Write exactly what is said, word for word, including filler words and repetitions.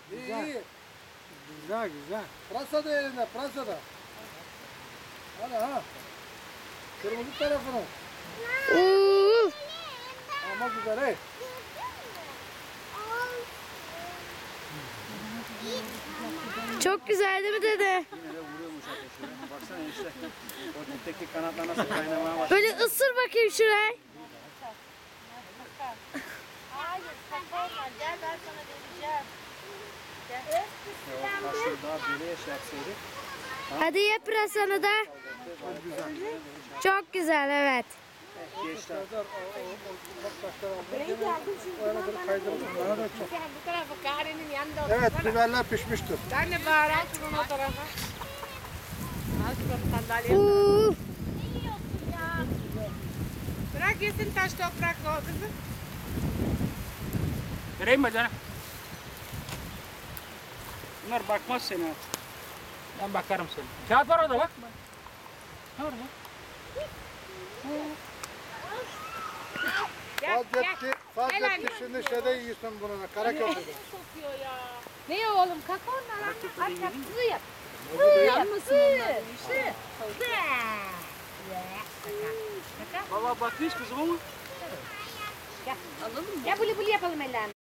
İyi Güzel. iyi. Güzel güzel. Pırasa da elinde, pırasa da. Hadi ha. Kırmızı tarafını. Uuu. Ama güzel hey. Çok güzel değil mi dede? Yine de vuruyormuş ateşine. Baksana işte. O dipteki kanatlar nasıl kaynamaya başladı. Böyle ısır bakayım şurayı. Hayır, kapanma. Gel ben sana vereceğim. O taşları daha deliye şey yapsaydık. Hadi ye pırasanı da. Çok güzel. Çok güzel evet. Geçti. Serdar o, o, o ufak taşlar aldı. O yana kadar kaydıralım. Bana da çok. Sen bu tarafa Kare'nin yanında otur. Evet biberler pişmiştir. Ben de bağıran şunun o tarafa. Al şunu sandalyeye. Uuu. Bırak yesin taş toprak o kızım. Vereyim mi canım? Bunlar bakmaz seni artık. Ben bakarım seni. Kağıt var orada bak. Ne orada? Gel gel. Fazletti, Fazletti şimdi şeyde yiyorsun bunu da. Karaköprü'de. Sokuyor ya. Ne ya oğlum kalk ondan. Aç yap kızı yap. Yapmasın onlar. Valla bakmış kızım ama. Gel buli buli yapalım ellerini.